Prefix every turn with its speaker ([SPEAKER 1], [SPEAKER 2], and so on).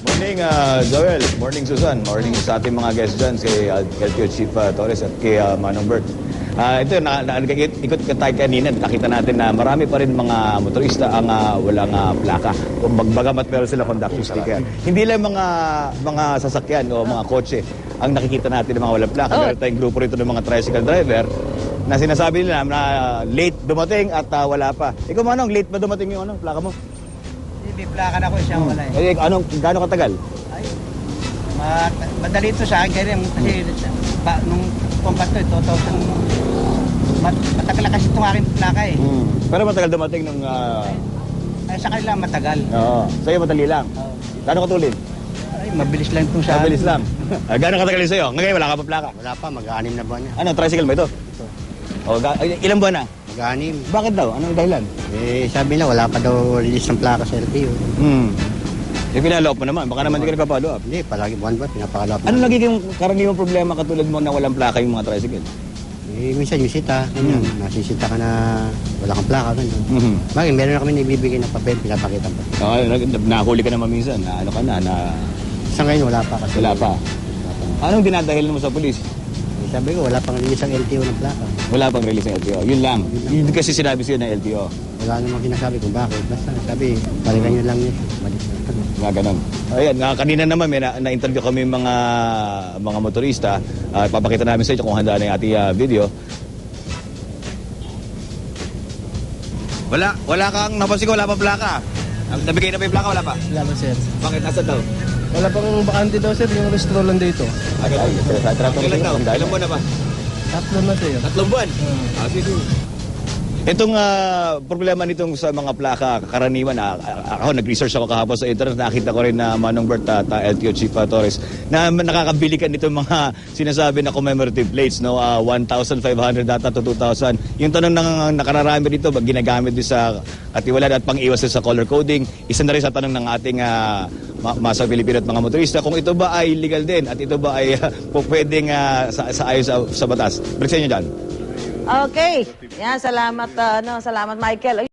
[SPEAKER 1] Morning, Joel. Morning, Susan. Morning sa ating mga guests dyan, kay LTO Chief Torres at kay Manong Bert. Ito, ikot tayo kanina, nakita natin na marami pa rin mga motorista ang walang plaka. O bagamat meron sila conductor sticker. Hindi lang mga sasakyan o mga kotse ang nakikita natin ng mga walang plaka. Meron tayong grupo rito ng mga tricycle driver na sinasabi nila na late dumating at wala pa. Ikaw, Manong, late ba dumating yung plaka mo?
[SPEAKER 2] May plaka na ko siya wala eh.
[SPEAKER 1] Gaano katagal?
[SPEAKER 2] Ay, madali ito sa akin kasi nung pambato ito, 2000, matagal na kasi itong aking plaka eh.
[SPEAKER 1] Pero matagal dumating nung...
[SPEAKER 2] Ay, sa kanila matagal.
[SPEAKER 1] Oo. Sa'yo madali lang. Gaano katulin?
[SPEAKER 2] Ay, mabilis lang itong sa
[SPEAKER 1] Mabilis lang. Gaano katagal yun sa'yo? Ngayon wala ka pa plaka?
[SPEAKER 3] Wala pa, mag-aanim na buwan niya.
[SPEAKER 1] Ano, tricycle ba ito? O, ilang buwan na?
[SPEAKER 3] Mag-aanim.
[SPEAKER 1] Bakit daw? Anong dahilan?
[SPEAKER 3] Eh, sabi nila, wala pa daw release ng plaka sa LTO.
[SPEAKER 1] Pinalo-up mo naman. Baka naman hindi ka nagpapalo up.
[SPEAKER 3] Hindi, palagi buwan-buwan, pinapakalo up.
[SPEAKER 1] Ano nagiging karaniwang problema katulad mo na walang plaka yung mga tricycle?
[SPEAKER 3] Eh, minsan yung sita, ganyan. Nasisita ka na wala kang plaka, ganyan. Bakit, meron na kami naibibigay na papel, pinapakita pa.
[SPEAKER 1] Nahuli ka naman minsan. Na ano ka na
[SPEAKER 3] Sa ngayon, wala pa kasi.
[SPEAKER 1] wala pa. Anong dinadahilan mo sa pulis?
[SPEAKER 3] Eh, sabi ko, wala pang release ang LTO ng plaka.
[SPEAKER 1] Wala pang release ng LTO. Yun lang. Yun kasi sinabi sa'yo ng LTO.
[SPEAKER 3] Wala namang sinasabi kung bakit. Basta, sabi, balikan nyo lang niya. Balik na.
[SPEAKER 1] Nga ganun. Ayan, kanina naman may na-interview kami mga motorista. Papakita namin sa inyo kung handa na yung ating video. Wala kang napansin ko, wala pa plaka. Nabigay na ba yung plaka, wala pa?
[SPEAKER 4] Wala ba, sir?
[SPEAKER 1] Bakit? Nasaan daw?
[SPEAKER 4] Wala pang bakante daw, sir. Yung restaurant lang dito.
[SPEAKER 1] Ilan daw? Ilan buwan na ba?
[SPEAKER 4] 3 na, sir.
[SPEAKER 1] 3 buwan? Sige. Itong problema nitong sa mga plaka, karaniwan, ako nag-research ako kahapon sa internet, nakita ko rin na Manong Bert at LTO Chief Torres na nakakabili ka nitong mga sinasabi na commemorative plates, no? 1,500 data to 2,000. Yung tanong ng nakararami dito, ginagamit din sa katiwalaan at pang-iwas sa color coding. Isa na rin sa tanong ng ating masa Pilipino at mga motorista, kung ito ba ay legal din at ito ba ay pwedeng sa ayon sa batas. Balik sa inyo dyan.
[SPEAKER 5] Okay. Yan, salamat, salamat Michael.